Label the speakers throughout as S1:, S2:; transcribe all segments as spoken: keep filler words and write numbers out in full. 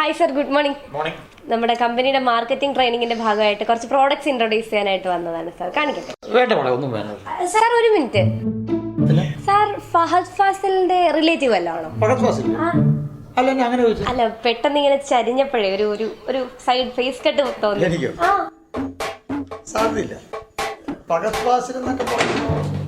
S1: Hi sir, good morning.
S2: Morning.
S1: നമ്മുടെ കമ്പനിയുടെ marketing ട്രെയിനിങ്ങിന്റെ ഭാഗമായിട്ട് കുറച്ച് പ്രോഡക്ട്സ് ഇൻട്രൊഡ്യൂസ് ചെയ്യാനായിട്ട് വന്നതാണ് സാർ. കാണിക്കട്ടെ?
S2: വേണ്ട മോളെ, ഒന്നും വേണ്ട.
S1: സാർ ഒരു മിനിറ്റ്. സാർ ഫഹദ് ഫാസിലിന്റെ റിലേറ്റീവ് അല്ല ആണോ?
S2: ഫഹദ് ഫാസിൽ അല്ല, അങ്ങനെ ചോദിച്ചു.
S1: അല്ല, പെട്ടെന്ന് ഇങ്ങനെ ചരിഞ്ഞപ്പോഴേ ഒരു ഒരു ഒരു സൈഡ് ഫേസ് കട്ട് തോന്നി.
S2: എനിക്കോ? സാധ്യതയില്ല. ഫഹദ് ഫാസിൽ എന്നൊക്കെ പറഞ്ഞു.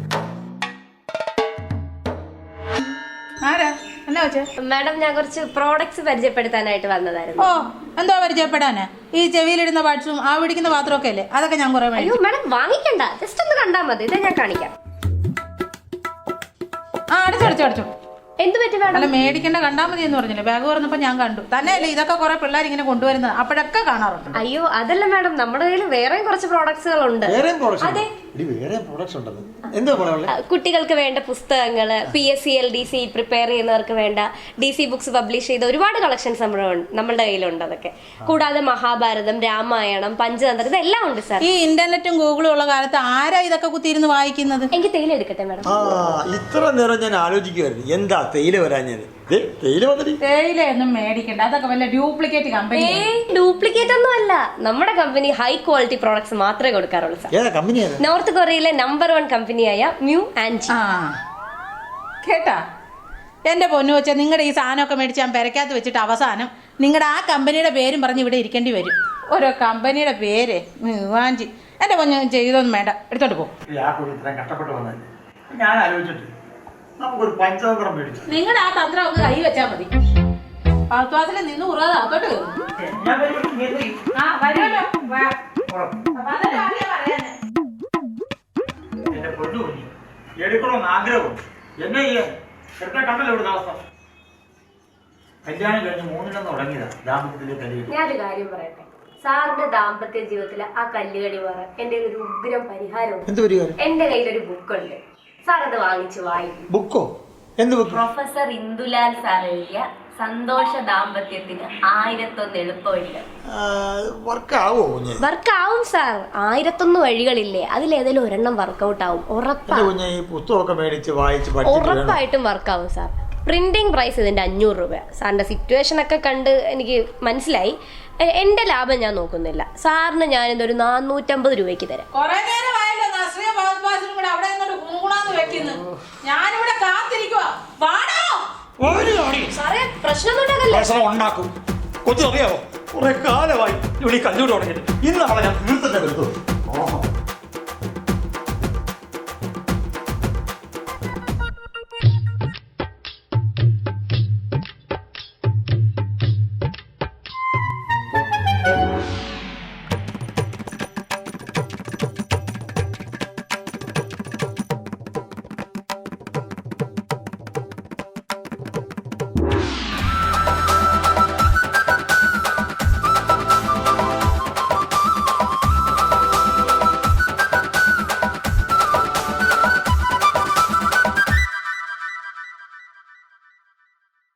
S3: ആരാ? എന്നാ വെച്ചേ?
S1: മാഡം, ഞാൻ കുറച്ച് പ്രോഡക്ട്സ് പരിചയപ്പെടുത്താനായിട്ട് വന്നതായിരുന്നു.
S3: ഓ, എന്തോ പരിചയപ്പെടാനാ? ഈ ചെവിയിലിടുന്ന പാട്സും ആ പിടിക്കുന്ന പാത്രമൊക്കെ അല്ലേ, അതൊക്കെ ഞാൻ കുറെ
S1: അയ്യോ മാഡം, വാങ്ങിക്കണ്ട, ജസ്റ്റ് ഒന്ന് കണ്ടാ മതി. ഇതാ ഞാൻ കാണിക്കാം.
S3: ആ, അടച്ചോ അടച്ചോ അടച്ചോ.
S1: എന്ത് പറ്റി മാഡം?
S3: അല്ല, മേടിക്കേണ്ട കണ്ടാ മതി എന്ന് പറഞ്ഞില്ലേ, ബാഗ് തുറന്നപ്പോ ഞാൻ കണ്ടു. തന്നെയല്ലേ ഇതൊക്കെ കുറെ പിള്ളേർ ഇങ്ങനെ കൊണ്ടുവരുന്നത്, അപ്പോഴൊക്കെ കാണാറുണ്ട്.
S1: അയ്യോ അതല്ല മാഡം, നമ്മുടെ കയ്യിൽ വേറെയും കുറച്ച് പ്രോഡക്ട്സുകൾ ഉണ്ട്. കുട്ടികൾക്ക് വേണ്ട പുസ്തകങ്ങള്, P S C L D C prepare ചെയ്യുന്നവർക്ക് വേണ്ട ഡി സി ബുക്സ് പബ്ലിഷ് ചെയ്ത ഒരുപാട് കളക്ഷൻസ് നമ്മുടെ നമ്മളുടെ കയ്യിലുണ്ട്. അതൊക്കെ കൂടാതെ മഹാഭാരതം, രാമായണം, പഞ്ചതന്ത്രം, ഇതെല്ലാം ഉണ്ട് സാർ.
S3: ഈ ഇന്റർനെറ്റും ഗൂഗിളും ഉള്ള കാലത്ത് ആരാ ഇതൊക്കെ കുത്തിയിരുന്ന് വായിക്കുന്നത്?
S1: എനിക്ക് തേയില എടുക്കട്ടെ മാഡം?
S2: ഇത്ര നേരം ഞാൻ ആലോചിക്കുമായിരുന്നു, എന്താ തേയില വരാഞ്ഞത്.
S3: തേയില ഒന്നും മേടിക്കണ്ട, അതൊക്കെ വല്ല ഡ്യൂപ്ലിക്കേറ്റ് കമ്പനി.
S1: ഡ്യൂപ്ലിക്കേറ്റ് ഒന്നും അല്ല, നമ്മുടെ കമ്പനി ഹൈ ക്വാളിറ്റി പ്രോഡക്ട്സ് മാത്രമേ കൊടുക്കാറുള്ളൂ സാർ. നോർത്ത് കൊറിയയിലെ നമ്പർ വൺ കമ്പനിയായ മ്യൂ ആൻഡ് ജി.
S3: കേട്ടാ എന്റെ പൊന്നു വെച്ചാ, നിങ്ങളുടെ ഈ സാധനമൊക്കെ മേടിച്ച് ഞാൻ പെരക്കകത്ത് വെച്ചിട്ട് അവസാനം നിങ്ങളുടെ ആ കമ്പനിയുടെ പേരും പറഞ്ഞ് ഇവിടെ ഇരിക്കേണ്ടി വരും. ഓരോ കമ്പനിയുടെ പേര് മ്യൂവാഞ്ചി. എന്റെ പൊന്നു ചെയ്തൊന്നും വേണ്ട, എടുത്തോണ്ട് പോകും.
S2: ഞാൻ ആലോചിച്ചിട്ട് നമുക്കൊരു പഞ്ചതന്ത്രം മേടിച്ചു.
S3: നിങ്ങളുടെ ആ തന്ത്രം ഒന്ന് കൈ വെച്ചാ മതി. പാത്വാസിൽ നിന്ന് ഉറാതെ അകത്തോട്ട് കയറും.
S2: എന്റെ പൊന്നു കുഞ്ഞി എടുക്കണമെന്ന് ആഗ്രഹമുണ്ട്. എന്നെ എടുത്ത കണ്ടല്ലോ ഇവിടെ അവസ്ഥ. കല്യാണം കഴിഞ്ഞ് മൂന്നിടന്ന് തുടങ്ങിയതാ ദാമ്പത്യത്തിലെ കല്യാണം.
S1: ഞാനൊരു കാര്യം പറയട്ടെ, സാറിന്റെ ദാമ്പത്യ ജീവിതത്തിലെ ആ കല്ലുകടി മാറാൻ എന്റെ ഒരു ഉഗ്രം പരിഹാരമുണ്ട്. എന്റെ കയ്യിലൊരു ബുക്കുണ്ട്, സാർ അത് വാങ്ങിച്ചു വായിക്കും.
S2: ബുക്കോ? എന്ത് ബുക്ക്?
S1: പ്രൊഫസർ ഇന്ദുലാൽ സാർ എഴുതിയ സന്തോഷ ദാമ്പത്യത്തിന് ആയിരത്തൊന്ന് എളുപ്പവഴികൾ. വർക്ക് ആവും സാർ. ആയിരത്തൊന്ന് വഴികളില്ലേ, അതിലേതെങ്കിലും ഒരെണ്ണം വർക്കൗട്ട് ആവും, ഉറപ്പായിട്ടും വർക്ക് ആവും സാർ. പ്രിന്റിംഗ് പ്രൈസ് ഇതിന്റെ അഞ്ഞൂറ് രൂപ. സാറിന്റെ സിറ്റുവേഷൻ ഒക്കെ കണ്ട് എനിക്ക് മനസ്സിലായി. എന്റെ ലാഭം ഞാൻ നോക്കുന്നില്ല, സാറിന് ഞാൻ ഇതൊരു നാനൂറ്റമ്പത് രൂപയ്ക്ക് തരാം.
S2: പ്രശ്നം ഉണ്ടാക്കും. കൊച്ചു അറിയാമോ, കുറെ കാലമായി ഇവിടെ കല്ലൂർ തുടങ്ങിയിട്ട് ഇന്നാളെ ഞാൻ തീർത്തന്നെ വരുന്നത്.